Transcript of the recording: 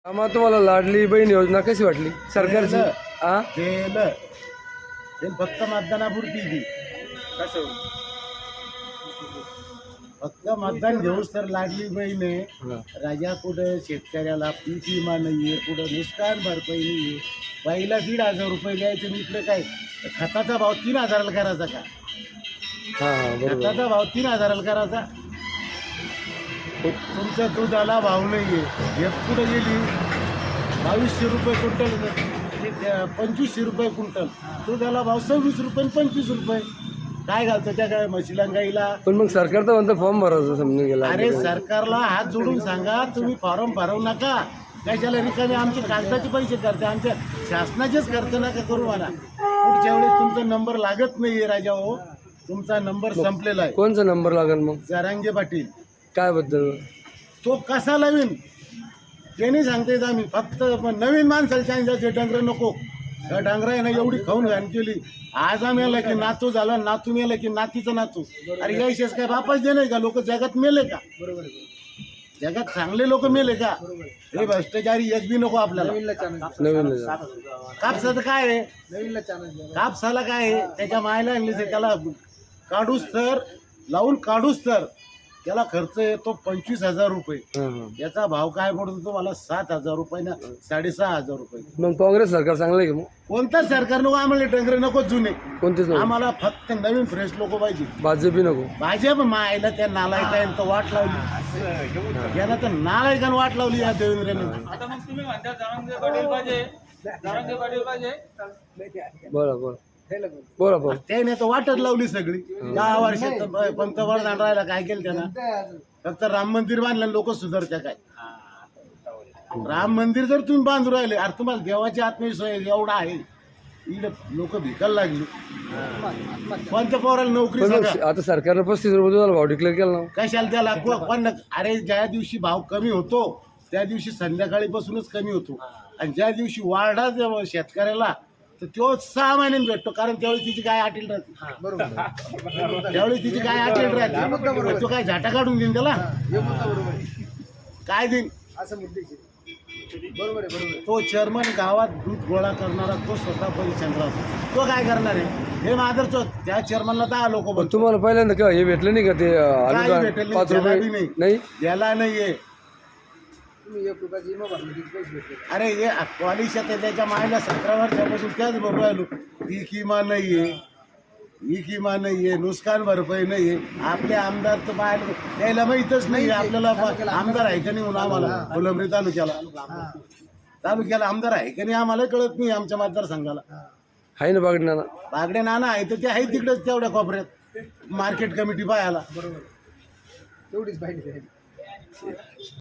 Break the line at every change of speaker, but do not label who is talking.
आम्हाला तुम्हाला लाडली बहीण योजना कशी वाटली सरकारची? हा
केलं ते फक्त मतदानापुरती ती. फक्त मतदान घेऊस तर लाडली बहीण आहे. राजा कुठं शेतकऱ्याला पीक विमा नाहीये, कुठं नुकसान भरपाई नाहीये. बाईला 1,500 रुपये द्यायचे आणि इकडे काय खताचा भाव 3,000ला करायचा का?
हा बरोबर.
खताचा भाव 3,000ला करायचा. तुमच्या दुधाला भाव नाहीये. हे कुठं गेली 2200 रुपये क्विंटल, 2500 रुपये क्विंटल. दुधाला भाव 26 रुपये 25 रुपये. काय घालतं त्या काय म्हशीला गाईला?
पण मग सरकार तर म्हणतं फॉर्म भरायचं समजून गेला.
अरे सरकारला हात जोडून सांगा, तुम्ही फॉर्म भरवू नका. कशाला रिकामे आमचे कागदाचे पैसे करते, आमच्या शासनाचेच खर्च नका करू मला. पुढच्या वेळेस तुमचा नंबर लागत नाहीये राजा हो, तुमचा नंबर संपलेला आहे.
कोणचा नंबर लागेल मग?
जरांगे पाटील.
काय बद्दल?
तो कसा लावीन ते नाही सांगता येत. आम्ही फक्त नवीन माणसाला सांगायचे डंगर नको. त्या डंगरा आहे ना एवढी खाऊन घाण केली. आज आम्ही आला की नातू झाला, नातू मेला की नातीचा नातू. अरे यायचेच काय बापाच दे नाही का? लोक जगात मेले का? जगात चांगले लोक मेले का? हे भ्रष्टाचारी एक बी नको आपल्याला.
नवीन
कापसाचं काय आहे? कापसाला काय आहे? त्याच्या मायला आणली त्याला काढूस तर लावून काढूस तर त्याला खर्च येतो 25,000 रुपये. याचा भाव काय पडतो तुम्हाला? 7,000 रुपये ना 6,500 रुपये.
मग काँग्रेस सरकार चांगलं आहे की मग?
कोणतं सरकार नको आम्हाला, डंगर नको जुने.
कोणतेच नको?
आम्हाला फक्त नवीन फ्रेश लोक पाहिजे.
भाजपी नको?
भाजप मायला त्या नालायकांना तर वाट लावली, याला तर नालायकांना वाट लावली या देवेंद्रने.
आता मग तुम्ही म्हणता जरांगे पाटील पाहिजे, जरांगे पाटील पाहिजे.
बोला बोला बोला बोला.
त्याने तर वाटच लावली सगळी. 10 वर्षात पंतप्रधान राहिला, काय केलं त्यानं? फक्त राम मंदिर बांधलं, लोक सुधारत्या काय? राम मंदिर जर तुम्ही बांधू राहिले, अरे तुम्हाला देवाची आत्मविश्वास एवढा आहे, लोक भिकायला लागली. कोणत्या पोराला नोकरी
पण
सांगा?
मग आता सरकारनं 35 रुपये दुधाला भाव डिक्लेअर केला ना.
कशाला त्याला पण? अरे ज्या दिवशी भाव कमी होतो त्या दिवशी संध्याकाळीपासूनच कमी होतो, आणि ज्या दिवशी वाढा शेतकऱ्याला तर तो 6 महिन्यांनी भेटतो. कारण त्यावेळी तिची काय अटील राहते. त्यावेळी तिची काय अटील राहते. तो काय झाटा काढून देईन त्याला? काय देईन? तो चेअरमन गावात दूध गोळा करणारा, तो स्वतः परिचंद्र राहतो. तो काय करणार आहे? हे मादरचोद. त्या चेअरमनला 10 लोक
पण
बोलतो.
तुम्हाला पहिल्यांदा का हे भेटलं नाही का ते
काही
अनुदान
भेटेल
5 रुपये? नाही
याला नाहीये. अरे हे पॉलिशात आहे, त्याच्या मायला 17 वर्षापासून त्याच बरोबर राहिलो. पीक विमा नाहीये, पीक विमा नाहीये, नुकसान भरपाई नाहीये. आपले आमदार तर बाहेर त्याला माहीतच नाही आपल्याला आमदार आहे का नाही म्हणून. आम्हाला फुलंब्री तालुक्याला आमदार आहे का नाही आम्हाला कळत नाही. आमच्या मतदारसंघाला
आहे ना बागडे ना.
बागडे नाना आहे तर ते आहे तिकडेच तेवढ्या कोपऱ्यात मार्केट कमिटी पाहायला.